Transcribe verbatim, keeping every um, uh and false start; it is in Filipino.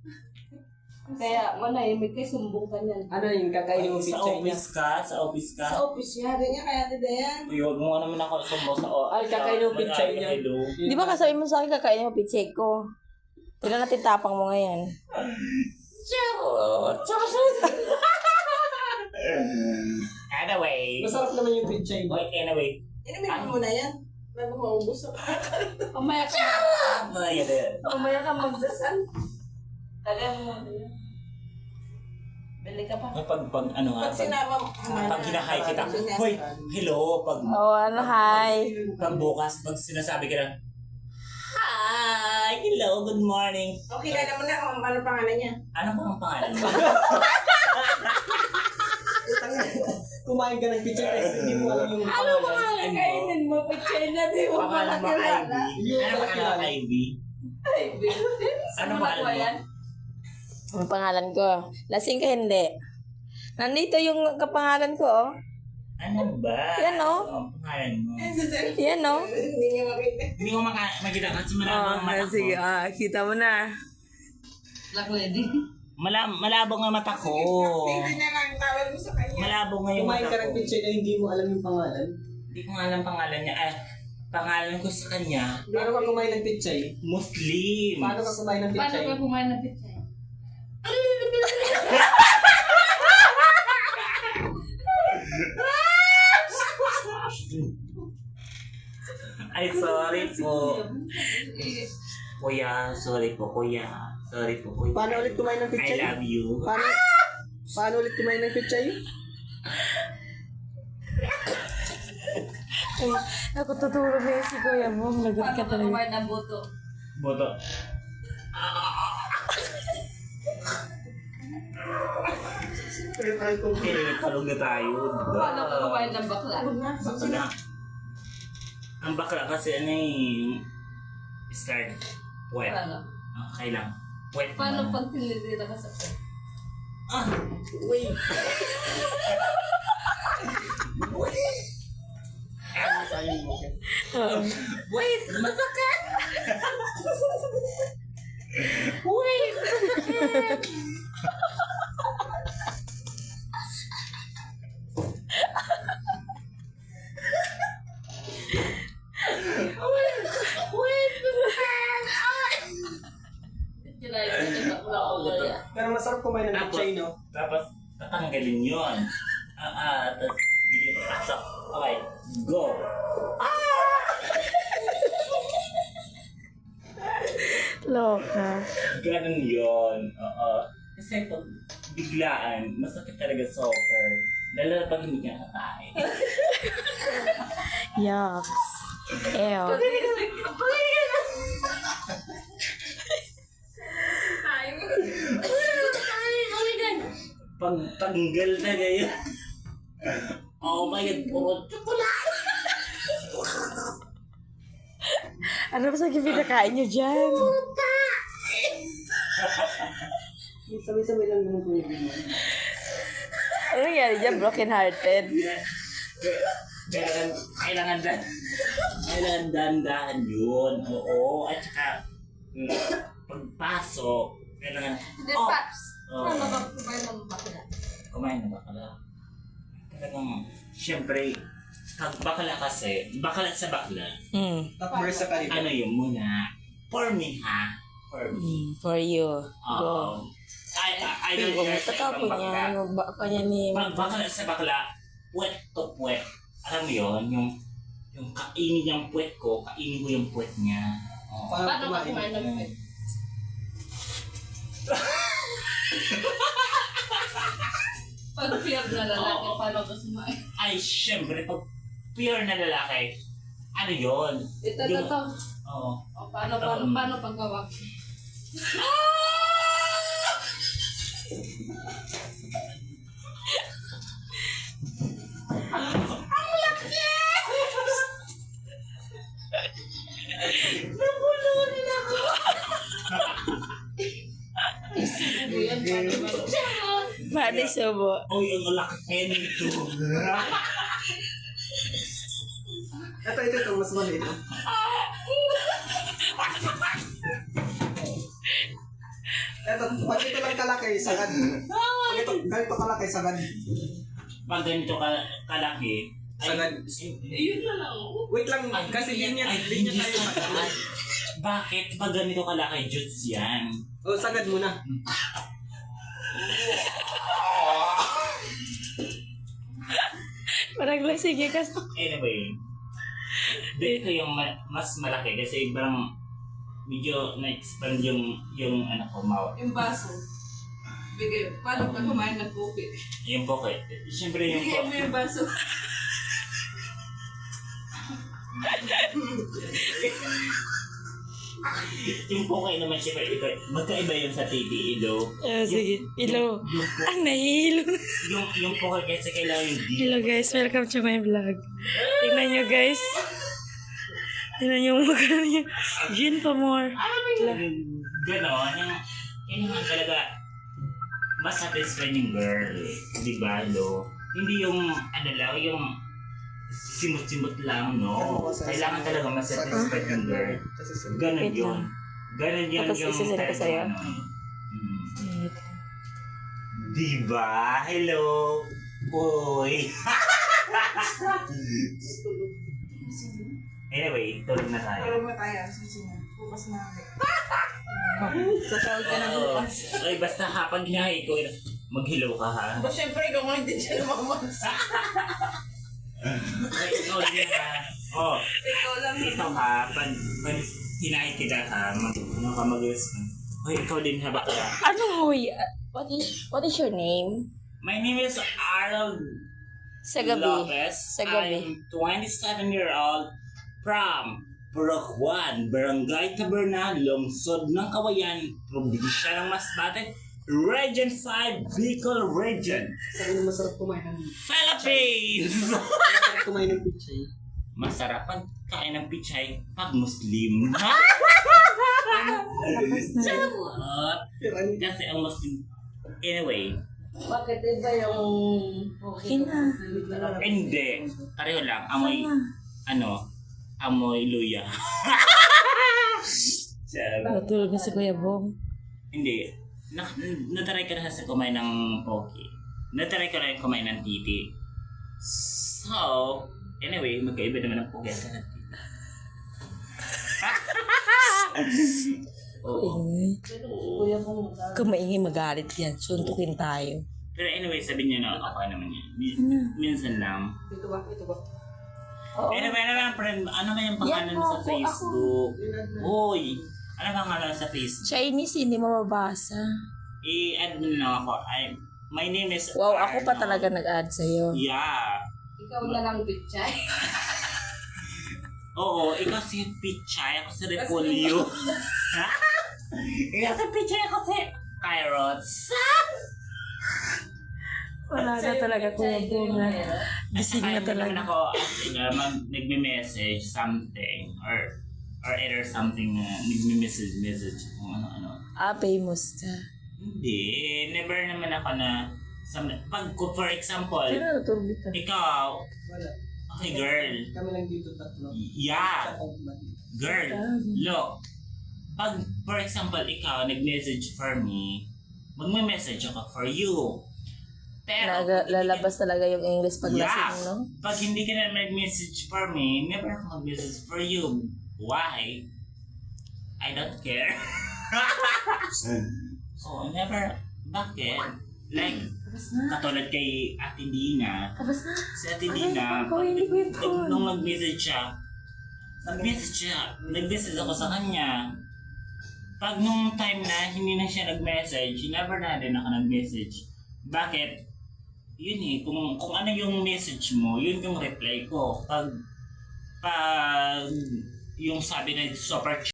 Kaya manahimik kay sumbong ka niyan. Ano yung kakainin mo Sa picture niya? office ka? Sa office ka? Sa office niya, ganyan kaya tida yan. Uy, huwag mo naman ako sumbong sa office. Ay, kakainin mo picture niya. Di ba kasabi mo sa akin kakainin mo pichay ko? Tignan natin tapang mo ngayon. Charot! Charot! Anyway. Masarap naman yung picture niya. Wait, anyway. Inumin mo na yan. Bago maubos ako. Pamaya ka. Ah, yan yan. Pamaya ka magdasal. Tagal mo na yan. Bili ka pa. Pag, pag, ano nga, Pag pag, sinama mo. pag hinahay kita, hoy, hello, pag, Oh, ano, hi. pag bukas, pag sinasabi ka lang, hi, hello, good morning. Okay, kaya naman na kung ano pangalan niya. Ano po ang pangalan mo? Kumain ka ng picture kasi hindi mo alam yung Ano pangalan. pangalan? Kainin mo, picture na di mo Pangalan mo, palakilala. Ivy. Ano pangalan mo, Ivy? Ay, Bill. Ano Ano pangalan mo? yan? Ang pangalan ko. Lasing ka hindi. Nandito yung kapangalan ko, oh. Ano ba? Yan, no? Ano ang pangalan mo? Yan, no? Hindi niya makita. Hindi ko maka- makita kasi malabo ang mata ko. sige. Ah, kita mo na. Black lady. Mala- malabo nga mata ko. Hindi na lang tawag mo sa kanya. Malabo nga yung Kumain mata ka ng ko. picture na hindi mo alam yung pangalan. Hindi ko nga alam pangalan niya. Ah, pangalan ko sa kanya, Paano ka kumain ng picture? Muslim. Paano ka kumain ng Paano picture? ka kumain ng picture? Ay, sorry po. Kuya, sorry po, kuya. Sorry po, kuya. Paano ulit kumain ng I picture? love you. Paano? Paano ulit kumain ng picture? Ay, ako tuturo na yun si Kuya mo. Lagot ka Paano ka talaga. kumain ng buto? Boto. Okay, talong na tayo. Paano ka kumain ng bakla? Bakla. Ang bakla kasi ano eh, start wet. Paano? Okay lang. Wet Paano muna. pag tinitira ka sa pet? Ah, wait. Wait, masakit! Wait, masakit! Kinain ka ng bakla o wala? Pero masarap kumain ng Tapos, picture, no? tapos, tatanggalin yun. Ah, ah, tapos, bigyan pasok. Okay, go! Loka. Ganun yun. Oo. Kasi pag biglaan, masakit talaga soccer. Lalo na pag hindi ka kakain. Yucks. Ew. Pag tanggal na ngayon. Oh my God, puro chocolate! Ano ba sa pinakain nyo dyan? Sabay-sabay lang naman kuya mo. Ano nangyari dyan? Broken hearted. Kailangan, kailangan dan, kailangan dandahan yun. Oo, at saka, mm, pagpasok, kailangan, Hindi, oh, Paps. oh, Paano ka kumain ng bakla? kumain na bakala. Talagang, syempre, pag bakala kasi, bakala sa bakla, Hmm. Top verse sa kanila. ano yun muna, for me ha, for me. Hmm, for you. Oo. Go. I, I, I don't Kung care sa mataka ko ibang bakla. niya, magba ka niya ni... Pag bakla sa bakla, puwet to puwet. Alam mo yun, yung, yung kainin yung puwet ko, kainin ko yung puwet niya. Oo. Paano Paano ka kumain? kumain ng pet? Pag fear na lalaki, paano ka kumain? Ay, syempre, pag pure na lalaki, ano yun? Ito, ito, Yung- ito. Oo. O, paano, paano, paano pagkawak? Yan, paano ba? Paano subo? Uy, ang laki nito. Ito, ito, ito. Mas maliit. Eto, pag ito lang kalaki, sagad. Pag ito, ganito kalaki, sagad. Pag ganito ka, kalaki, ay, Sagad. Eh, yun na lang. Wait lang, ay, kasi hindi linya, ay, linya hindi tayo. sagad. Bakit? Pag ganito kalaki, juts yan. O, sagad muna. Parang lasing eh kasi. Anyway, dito yung ma- mas malaki kasi parang medyo na-expand yung, yung ano ko, mouth. Yung baso. Bigay. Paano ka kumain ng kopi? Yung pocket. Siyempre yung Bigay mo pocket. yung baso. Yung pocket naman siyempre, iba, magkaiba yung sa titi, ilo. Ah, sige. Hello. Yung, po- Ah, nahihilo. yung, yung pocket kasi kailangan yung deep. Hello guys, welcome to my vlog. Tingnan nyo guys. Tingnan nyo yung mukha niya. Gin pa more. Ganon, yung, yun naman talaga, mas satisfied yung girl. Di ba, lo? Hindi yung, ano lang, yung simut-simut lang, no? Kailangan talaga mas satisfied yung girl. Ganon Wait yun. Ganon yun Tapos yung isasend ko sa'yo? ano. Mm. Di ba? Hello? Uy! Anyway, tulog na tayo. Tulog na tayo. Sige na. Bukas na kami. Sasahod ka na Oo. bukas. Ay, basta ha, pag hinahay ko, maghilaw ka ha. Ba, syempre, ikaw nga hindi siya lumamansa. Ay, ikaw din ha. Oh, Ikaw lang. ito ha, pag, pag hinahay kita ha, mag, ano ka mag-respond. Hoy, ikaw din ha, bakla. Ano hoy? What is, what is your name? My name is Arnold Sa gabi. Lopez. Sa gabi. I'm twenty-seven year old from Puracuan, Barangay Taberna, Lungsod ng Kawayan, Probinsya ng Masbate, Region five, Bicol Region, Sabi na masarap kumain ng... Philippines! Masarap kumain ng pichay. Masarap pag kain ng pichay pag Muslim. Charot! Kasi ang Muslim. Anyway, Bakit iba yung... Okay Ina. hindi. Pareho lang. Amoy, ano, amoy luya. Charot. Natulog na si Kuya Bong. Hindi. Na, nataray ka na sa kumain ng poke. Nataray ka na kumain ng titi. So, anyway, magkaiba naman ang poke at titi. Oo. Kuya mo. Kung maingay magalit yan, suntukin tayo. Pero anyway, sabi niya na okay naman yan. Mi- minsan lang. Ito ba? Ito ba? Anyway, ano ba, friend? Ano ba yung pangalan Yan sa ako, Facebook? Uy! Ano ba ang pangalan sa Facebook? Chinese, hindi mo mabasa. I-add mo na lang ako. I, my name is Wow, ako pa Arnold. talaga nag-add sa'yo. Yeah. Ikaw na lang, bitchay. Oo, ikaw si Pichay, ako si Repolyo. Ikaw si Pichay, ako si Carrots. Wala na talaga Kuya Bong. Gising na At saka, hindi naman talaga. ako as in, uh, mag, nagme-message something or or either something na nagme-message message kung ano-ano. Ah, famous ka. Hindi, never naman ako na some, pag for example, Sino natulog dito? ikaw, Wala. okay girl, Kami lang dito tatlo. yeah, girl, look, pag for example ikaw nag-message for me, magme-message ako for you. Pero, Naga, lalabas talaga yung English pag Yeah. lasing, no? pag hindi ka na mag-message for me, never ako mag-message for you. Why? I don't care. So, never. Bakit? Like, Tapos na. katulad kay Ate Dina. Tapos na. Si Ate Dina, Ay, gawin ko yung phone. nung nag-message siya, nag-message siya, nag-message ako sa kanya. Pag nung time na hindi na siya nag-message, never na din ako nag-message. Bakit? Yun eh, kung, kung ano yung message mo, yun yung reply ko. Pag, pag yung sabi na super